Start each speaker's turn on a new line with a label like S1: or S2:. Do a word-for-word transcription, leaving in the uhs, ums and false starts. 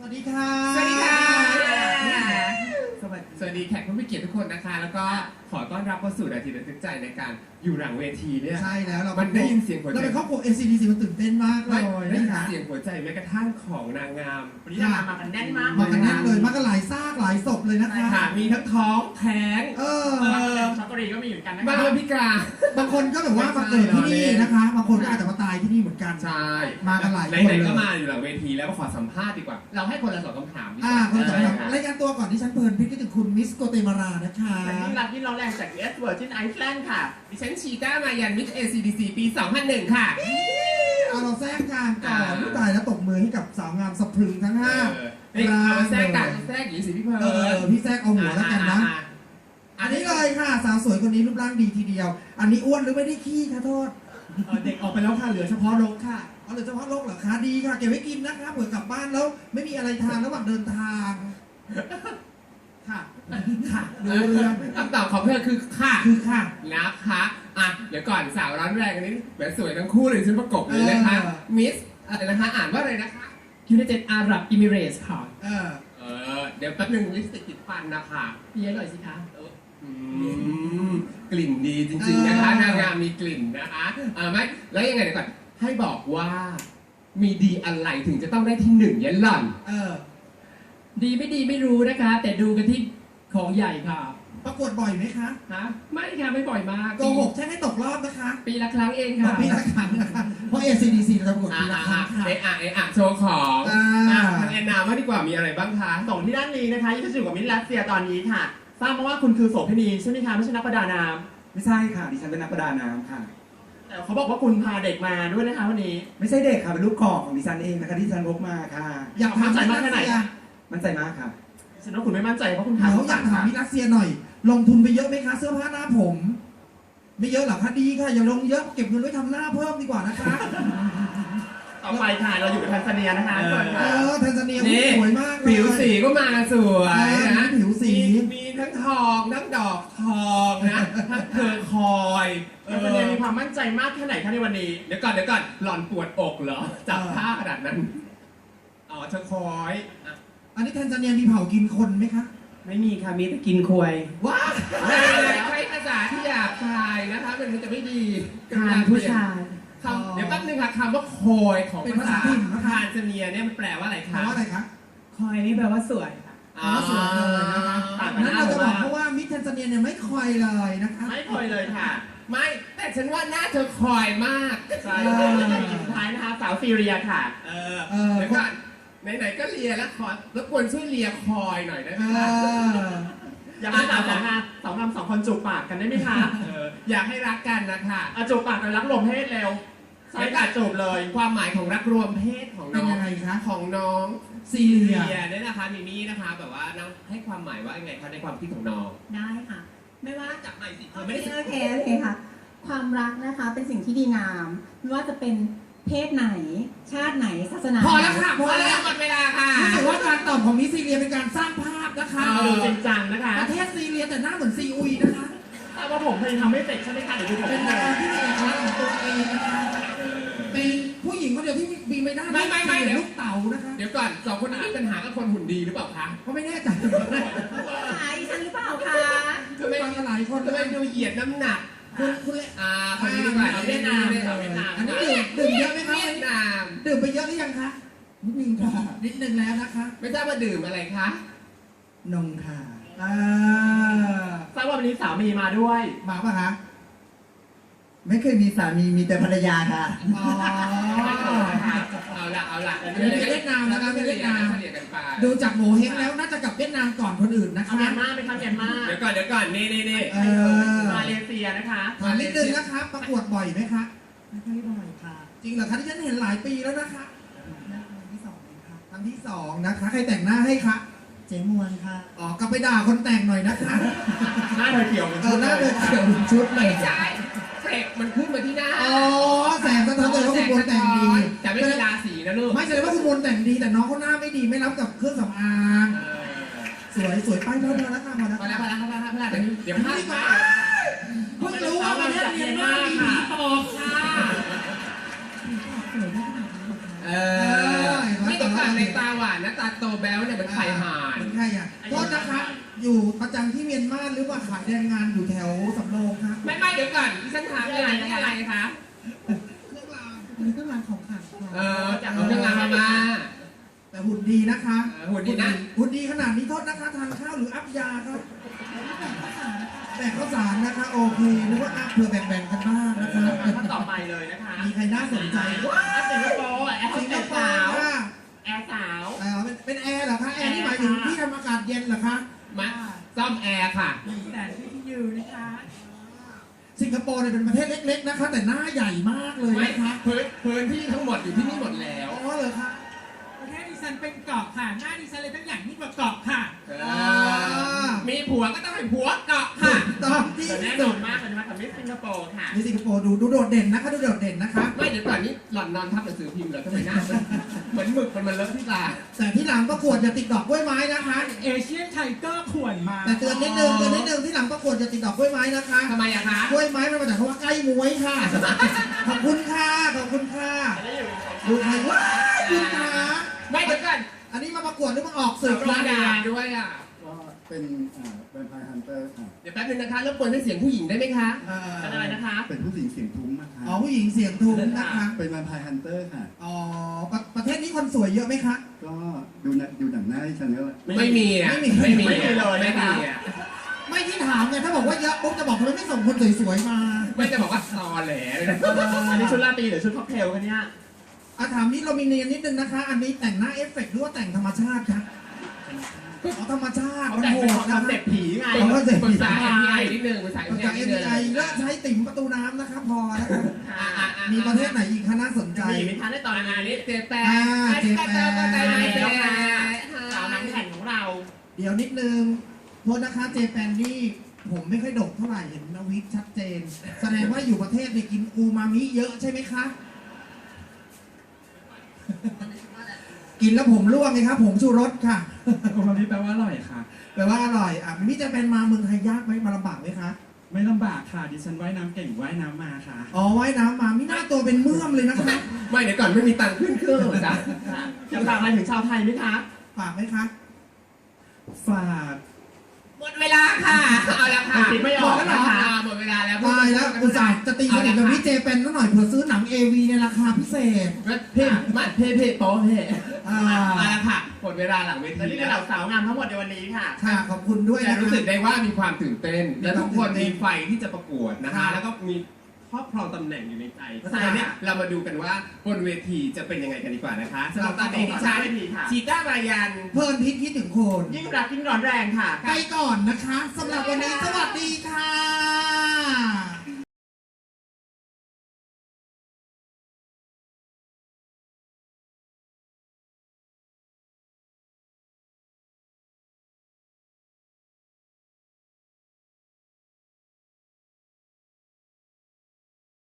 S1: วัสดีค่ะ
S2: สวัสดีค่ะสวัสดีสวัสดีแขกผู้มีเกียรติทุกคนนะคะแล้วก็ขอต้อนรับเข้าสู่นาทีระทึกใจในการอยู่หลังเวทีเนี่ย
S1: ใช่แล้วเรา
S2: มันได้ยินเสียงหัวใจ
S1: เราเป็นครอบครัว เอ ซี ดี ซี มันตื่นเต้นมากเลย
S2: ได้ยิน
S1: นะคะ
S2: เสียงหัวใจแม้กระทั่งของนางงาม
S3: วันนี้นางงามมากันแน่นมาก
S1: มากันแน่นเลยมากันหลายซากหลายศพเลยนะคะ
S2: ค่ะมีทั้งท้องแท้ง
S1: เออ
S3: ช็อกโกแลตก็มีเหมือนกันนะ
S2: บางคนพิการ
S1: บางคนก็แบบว่ามาเกิดที่นี่นะคะบางคนก็อาจจะมาตายที่นี่เหมือนกัน
S2: ใช่
S1: มากันหลายคน
S2: ไหน
S1: เลย
S2: ๆก็มาอยู่หลังเวทีแล้วก็ขอสัมภาษณ์ดีกว่า เราให้คนละสองคำถามดีก
S1: อ่า
S2: ว่า
S1: คนสำคัญรายการตัวก่อนที่ฉันเพลินพิคิดถึงคุณมิสโกเตมารานะคะ
S3: แต่ที่รักที่เราแรงจาก เอส Virgin Island ค่ะ
S2: ดิฉันชีต้ามายันมิส เอ ซี ดี ซี ปี สองพันหนึ่ง ค่ะ
S1: เอาเราแทรกกลางก่อนผู้ตายแล้วตบมือให้กับสาวงามสะพรึงทั้งห้า
S2: เออนี่เอามาแทรกกันแทรกอย่างนี้สิพี่เพิร์
S1: เออพี่แทรกเอาหัวแล้วกันนะ
S2: อ่า
S1: อันนี้เลยค่ะสาวสวยคนนี้รูปร่างดีทีเดียว อันนี้อ้วนหรือไม่ได้ขี้คะโทษ
S3: เด็กออกไปแล้วค่ะ เหลือเฉพาะรกค่ะ
S1: เอาเหลือเฉพาะโรคเหรอคะดีค่ะเก็บไว้กินนะคะเผื่อกลับบ้านแล้วไม่มีอะไรทานระหว่างเดินทางค่ะค่ะดูเรื่อง
S2: คำตอบของเพื่อนคือค่ะ
S1: คือค่ะ
S2: นะคะอ่ะเดี๋ยวก่อนสาวร้อนแรงอันนี้แหมสวยทั้งคู่เลยชุดประกบเลยนะคะ
S1: เออ
S2: มิสอะไรนะคะอ่านว่าอะไรนะคะ
S4: United Arab Emirates ค่ะ
S1: เออ
S2: เออเดี๋ยวแป๊บนึงลิปสติกติดฟันนะคะ
S4: เพี้ยหน่อยสิคะ
S2: อืมกลิ่นดีจริงๆนะคะนางงามมีกลิ่นนะคะเออไม่แล้วยังไงเดี๋ยวก่อนให้บอกว่ามีดีอะไรถึงจะต้องได้ที่หนึ่งยันหล่อน
S1: เออ
S4: ดีไม่ดีไม่รู้นะคะ แต่ดูกันที่ของใหญ่ค่ะ
S1: ประกวดบ่อยไหมคะ
S4: ฮะไม่ค่ะไม่บ่อยมาก
S1: โกหกใช่ให้ตกรอบนะคะ
S4: ปีละครั้งเอง
S1: ขอ
S4: ค่ะ
S1: ปีละครั้งนะคะเพราะ เอ ซี ดี ซี เราจะประกวด
S2: อ่ะ
S1: ปีละ
S2: อ่ะ
S1: ครั้งค่ะ
S2: อ่ะเอะอ่ะเอะอ่ะโชว์ของ
S1: อ่า
S2: อ่ะทางแอนนาว่าดีกว่ามีอะไรบ้างคะ
S3: ส่งที่ด้านนี้นะคะที่จะอยู่กับมิสรัสเซียตอนนี้ค่ะ ทราบมาว่าคุณคือโสเภณีใช่ไหมคะไม่ใช่นักประดาน้
S5: ไม่ใช่ค่ะดิฉันเป็นนักประดาน้ำค่ะ
S3: ำแต่เขาบอกว่าคุณพาเด็กมาด้วยนะคะวันนี้
S5: ไม่ใช่เด็กค่ะเป็นลูกกอกของดิฉันเองนะคะที่ดิฉันพกมาค่ะ
S1: อยากถาม
S3: มั่นใจ
S1: มิ
S3: มากแค่ไหน
S1: รัสเซีย
S5: มั่นใจมากค่ะ
S3: ฉันว่าคุณไม่มั่นใจเพราะคุณพา
S1: เดี๋ยว
S3: ลูก
S1: อยาก
S3: มา
S1: ถามมิรัสเซียหน่อย ลงทุนไปเยอะไหมคะเสื้อผ้าหน้าผม ไม่เยอะหรอคะดีค่ะอย่าลงเยอะเก็บเงินไว้ทำหน้าเพิ่มดีกว่านะคะ
S3: ต่อไปค่ะเราอยู่กับแทนซาเนียนะคะ
S2: เออ
S3: ก่อน
S1: เอ
S3: ค่ะ
S1: อแทนซาเนีย
S2: นี่
S1: สวยมากเลย
S2: ผิวสีก็มาสวย
S1: เออ
S2: นะ
S1: ผิวสี
S2: มีมีทั้งทองทั้งดอกทองนะทั้งเธอคอยเอ
S3: แทน
S2: อ
S3: ซาเนียมีความมั่นใจมากแค่ไหนคะในวันนี้
S2: เดี๋ยวก่อนเดี๋ยวก่อนหล่อนปวดอกเหรอจับผ้าขนาดนั้นอ๋อเธอคอยอ่ะ
S1: อันนี้แทนซาเนียมีเผากินคนไหมคะ
S5: ไม่มีค่ะมีแต่กินควย
S1: ว้า
S2: ใช้ภาษาที่หยาบคายนะคะมันจะไม่ดี
S4: ทานผู้ชาย
S2: คำเดี๋ยวแป๊บนึงค่ะคำว่าคอยของ
S1: เป็น
S2: ภา
S1: ภา
S2: ษา
S1: ษาถิ่นนะคะ
S2: ทานซาเนียเนี่ยมันแปลว่าอะไร
S1: แปล
S2: คะ
S1: ว่าอะไรคะ
S4: คอยนี่แปลว่าสวยค่ะ
S1: อ๋อสวยเลยนะคะ
S3: ต่างกัน
S1: นั้น
S3: หน้า
S1: เรา
S3: ผ
S1: จะ
S3: ม
S1: บอก
S3: ว่า
S1: เพราะว่ามิสแทนซาเนียเนี่ยไม่คอยเลยนะคะ
S3: ไม่เคยเลยค่ะ
S2: ไม่แต่ฉันว่าหน้าเธอคอยมาก
S3: ใช่ค่ะสุดท้ายนะคะสาวซีเรียค่ะ
S2: เออ
S1: เออ
S2: เดี๋ยวก่อนไหนๆก็เลียแล้วขอรบกวนช่วยเลียคอยหน่อยได้ไหม
S1: เอ
S2: คะ
S1: อ
S3: อยากให้สาวสองงานสองงามสองคนจูบปากกันได้ไหมคะ
S2: เอออยากให้รักกันนะคะ
S3: อะจูบปากกันรักลมเพศเร็วใช่ค่ะจูบเลย
S2: ความหมายของรักรวมเพศของ
S1: เป็น
S2: น้อง
S1: ยังไงคะ
S2: ของน้อง
S1: ซีเรีย
S2: เลียเนี่ยนะคะมิมี่นะคะแบบว่าน้องให้ความหมายว่ายังไงคะในความคิดของน้อง
S6: ได้ค่ะ ไม่ว่า
S2: จับหน่อยสิเธ
S6: โอ
S2: อ
S6: เค
S2: ไม่ได้
S6: โอเคโอเคค่ะ ความรักนะคะเป็นสิ่งที่ดีงาม ไม่ว่าจะเป็นเพศไหน ชาติไหนศาสนา
S2: พอแล้ว
S6: ไหน
S2: ค่ะพอแล้วหมดเวลาค่ะ
S1: รู้สึกว่าการตอบของมิสซีเรียเป็นการสร้างภาพนะคะ
S2: เอ
S3: ดูจริงจังนะคะ
S1: ประเทศซีเรียแต่หน้าเหมือนซีอุยนะคะ
S3: ทราบว่าผมเคยทำไม่เสร็จใช่ไหมคะเดี๋ยวดูผม
S1: เป็นดาราที่มีเอกลักษณ์ของตัวเองนะคะเป็นผู้หญิงคนเดียวที่มีไม่ได้
S2: ไม่ไม่ไม่เดี๋ยว
S1: ลูกเต๋านะคะ
S2: เดี๋ยวก่อนสองคนนี้มีปัญหากับคนหุ่นดีหรือเปล่าคะ
S1: เขาไม่แน่ใจ
S6: หายฉันหรือเปล่าคะ
S2: ทำไม
S1: ฟังกันหลายคน
S2: ทำไมดูเหยียดน้ำหนัก
S1: คุณคุณเลย
S2: อ่าคนนี้ดีกว่า
S3: เอาเวียดนามเอาเวียดนาม
S1: อันนี้ดื่มดื่มเยอะไหมคะ
S2: เวียดนาม
S1: ดื่มไปเยอะหรือยังคะนิดนึงค่ะนิดนึงแล้วนะคะ
S2: ไม่ทราบว่าดื่มอะไรคะ
S1: นมค่ะอ่า
S3: ทราบว่าวันนี้สามีมาด้วย
S1: มาป่ะคะ
S5: ไม่เคยมีสามีมีแต่ภรรยาค่ะ
S1: อ๋อ
S2: เอาละเอาละ
S1: อันนี้เป็นเวียดนามนะคะเป็นเวียดนาม
S2: เฉลี่ยกันไป
S1: ดูจากโงเฮงแล้วน่าจะกลับเวียดนามก่อนคนอื่นนะ
S3: เอา
S1: คะ
S3: เมียนมาไหมคะเมียนมา
S2: เดี๋ยวก่อนเดี๋ยวก่อนนี่นี่นี่
S1: เออ
S3: มาเลเซียนะคะ
S1: ถามนิดนึงนะคะประกวดบ่อยไหมคะ
S5: ไม่ค่อยบ่อยค่ะ
S1: จริงเหรอคะที่ฉันเห็นหลายปีแล้วนะคะ
S5: ครั้งที่สองเองค่ะ
S1: ครั้งที่สองนะคะใครแต่งหน้าให้คะ
S5: เจ๊มวนค่ะ
S1: อ๋อกลับไปด่าคนแต่งหน่อยนะคะ
S3: หน้าเธอเขียวเหมือน
S1: เอ
S3: ชุ
S1: อ
S3: ด
S1: ห
S3: เล
S1: น้าย เดินเขียวเป็นชุดเลย
S2: ใช่เฟรกมันขึ้นมาที่หน้า
S1: อ๋อแสงสะท้อนเลยว่าคุณมนต์แต่งดี
S2: แต่ไม่มีราศีนะลูก
S1: ไม่แสดงว่าคุณมนต์แต่งดีแต่น้องเขาหน้าไม่ดีไม่รับกับเครื่องสำอาง สวยสวยไปพอแล้วค่ะพอแล้ว
S2: พอแล้วพอแล้วพอแล้วพอแล้วเดี๋ยวพลาดมา
S1: เพิ่งรู้ว่าประเทศเมียนมามีผีปอบค่ะ
S2: เออไม่ต้องฝั่งในตาหวานนะตาโตแบ๊วเนี่ยมันไข่ห่าน
S1: เหมือนใครอ่ะโทษนะคะอยู่ประจำที่เมียนมาหรือว่าขายแรงงานอยู่แถวสำโรงครับ
S2: ไม่ไม่เดี๋ยวก่อนดิฉันถามอะไรนี่อะไรคะ
S1: เครื่องรางอันนี้เครื่องรางของขลังค่ะ
S2: เออจากเอาเครื่องรางมามา
S1: แต่หุ่นดีนะคะ
S2: เออหุ่นดีนะ
S1: หุ่นดีขนาดนี้โทษนะคะทานข้าวหรืออัพยาครับแบ่งข้าวสารนะคะโอเคนึกว่าอัพเพื่อแบ่งๆกันบ้างนะคะ
S3: ท่านต่อไปเลยนะคะ
S1: มีใครน่าสนใจว้า
S3: แอร์สิงคโปร์แอร์
S1: สิงคโป
S3: สา
S1: ร์
S3: ว
S1: ค่ะ
S3: แอร์สาว
S1: เออเป็นเป็นแอร์เหรอคะแอร์นี่หมายถึงที่ทำอากาศเย็นเหรอคะ
S2: มาซ่อมแอร์ค่ะ
S4: แต่ที่ที่อยู่นะคะ
S1: สิงคโปร์เนี่ยเป็นประเทศเล็กๆนะคะ แต่หน้าใหญ่มากเลย
S2: ไม่
S1: นะคะ
S2: พื้นพื้นที่ทั้งหมดอยู่ที่นี่หมดแล้ว
S1: อ๋อเหรอคะ
S4: ประเทศดิฉันเป็นเกาะค่ะ หน้าดิฉันเลยทั้งอย่างยิ่งกว่าเกาะค่ะ
S2: เออมีผัวก็ต้องให้ผัวเกาะค่ะ
S1: ตอนที่
S3: แต่แน่น
S1: สุ
S3: อ
S1: ด
S3: นมากเลยนะคะกับมิสสิงคโปร์ค่ะ
S1: นี่สิงคโปร์ดูดูโดดเด่นนะคะดูโดดเด่นนะคะ
S2: ไม่เดี๋ยวก่อนนี้หล่อนนอนทับหนังสือพิมพ์เหรอทำไมหน้ามันเหมือนหมึกมันมาเลอะที่ตา
S1: แต่ที่หลังประกวดอย่าติดดอกกล้วยไม้นะคะ
S4: เอเชียนไทเกอร์ขวนมา
S1: แต่เตือนนิดนึงเตือนนิดนึงที่หลังประกวดอย่าติดดอกกล้วยไม้นะคะ
S2: ทำไมอะคะ
S1: กล้วยไม้มันมาจากคำว่าใกล้มวยค่ะ ขอบคุณค่ะขอบคุณค่ะ
S3: แล้วอยู่
S1: ดูใครว้ายคุณคะ
S2: ไม่เดี๋ยวก่อน
S1: อันนี้มาประกวดหรือมาออกสื่อ
S2: ร้อ
S1: คะ
S2: งดาด้วยอ่ะ
S5: ก็เป็นอ่าแวมไพร์ฮันเตอร์ค่ะ
S2: เดี๋ยวแป๊บนึงนะคะรบกวนให้เสียงผู้หญิงได้ไหมคะ
S1: เอ่อ
S3: เป็นอะไรนะคะ
S5: เป็นผู้หญิงเสียงทุ้มนะคะ
S1: อ๋อผู้หญิงเสียงทุ้มนะคะ
S5: เป็นแวมไพร์ฮันเตอร์ค่ะ
S1: อ๋อประประเทศนี้คนสวยเยอะไหมคะ
S5: ก็ดูหนังดูหนังหน้าที่ฉันก็
S2: ไม่มีอ่ะ
S1: ไม่มี
S2: ไม่มี
S3: ไม่มีเลย
S2: ไม่
S3: นะคะ
S2: มีอ่ะ
S1: ไม่ที่ถามไงถ้าบอกว่าเยอะปุ๊บจะบอกทำไมไม่ส่งคนสวยๆมา
S2: ไม่จะบอกว่าตอแหลเลยนะ
S3: อันนี้ชุดราตรีหรือชุดค็อกเทลกันเนี่ย
S1: อาถามนี้เรามีเนียนนิดนึงนะคะ อันนี้แต่งหน้าเอฟเฟกต์หรือว่าแต่งธรรมชาติคะอ๋อธรรมชาติ
S3: เขา
S1: มัน
S3: แต่ง
S1: โห
S3: เป็น
S1: ด
S3: ค
S1: นะ
S3: อนเซ็ปต์ผีไง
S1: ผมก็เจ็บ
S2: ปรึกษา เอ็ม พี ไอ นิดนึงปรึกษา
S1: จาก
S2: เอ็
S1: เอ็
S2: ม
S1: ม
S2: พี
S1: ไอ
S2: ไอนิดนึง
S1: แล้วใช้ติ่มประตูน้ำนะคะพอแล้วครับ
S3: ค่ะ
S2: อ่ะอ่ะ
S1: มีประเทศไหนอีกคะน่าสนใจ
S3: มีอีกไหมคะในตอน
S2: อัน
S3: นี้
S2: นี้เจแปน
S1: อ่า
S2: เจแปน
S1: เจแปน
S2: เจแปน
S3: แล้วค่ะสาวหนังแผ่นของเรา
S1: เดี๋ยวนิดนึงโทษนะคะเจแปนนี่ผมไม่ค่อยดกเท่าไหร่เห็นนวิกชัดเจน แสดงว่าอยู่ประเทศเนี่ยกินอูมามิเยอะใช่ไหมคะ กินแล้วผมร่วงไงครับผมชูรสค่ะ
S7: โอมามิแปลว่าอร่อยค่ะ
S1: แปลว่าอร่อยอ่ะมิจะเป็นมาเมืองไทยยากไหมมาลำบากไหมคะ
S7: ไม่ลำบากค่ะ ดิฉันว่ายน้ำเก่งว่ายน้ำมาค่ะ
S1: อ๋อว่ายน้ำมามิหน้าตัวเป็นเมื่อมเลยนะคะ
S2: ไม่เดี๋ยวก่อนไม่มีตังค์ขึ้นเครื่องเหรอจ๊ะ
S3: ค่ะจะฝากอะไรถึงชาวไทยไหมคะ
S1: ฝากไหมคะ
S7: ฝาก
S2: หมดเวลาค่ะเอาละค่ะ
S3: คิดไม่ออกนะคะ
S2: หมดเวลาแล้ว
S1: ตายแล้วอุตส่าห์จะตีสนิทกับพี่เจเป็นนิดหน่อยเผื่อซื้อหนังเอวีในราคาพิเศษ
S2: เพ่มาเพ่เพ่โป๊เพ่
S1: อ่า
S2: เอาละค่ะหมดเวลาหลังเว
S3: และ
S2: ที
S3: นี่คือ
S2: แล้
S3: เหล่าว สาวงามทั้งหมดในวันนี้ค่ะ
S1: ค่ะขอบคุณด้วย
S2: แต่
S1: นะ
S2: รู้
S1: คะ
S2: สึกได้ว่ามีความตื่นเต้น และทุกคนมีไฟที่จะประกวดนะคะ
S1: ค่ะ
S2: แล้วก็มีครอบครองตำแหน่งอยู่ในใจเพราะฉะ
S1: ค่ะ
S2: นั้นเนี่ยเรามาดูกันว่าบนเวทีจะเป็นยังไงกันดีกว่านะคะสำหรับตอนนี้ดิ
S3: ขอ
S2: ฉั
S3: บ
S2: น
S3: คุณเวทีค่ะ
S2: ชีต้ามายัน
S1: เพลินพิษคิดถึงโคน
S3: ยิ่งรักยิ่งร้อนแรงค่ะ
S1: ไปก่อนนะคะสำหรับวันนี้ส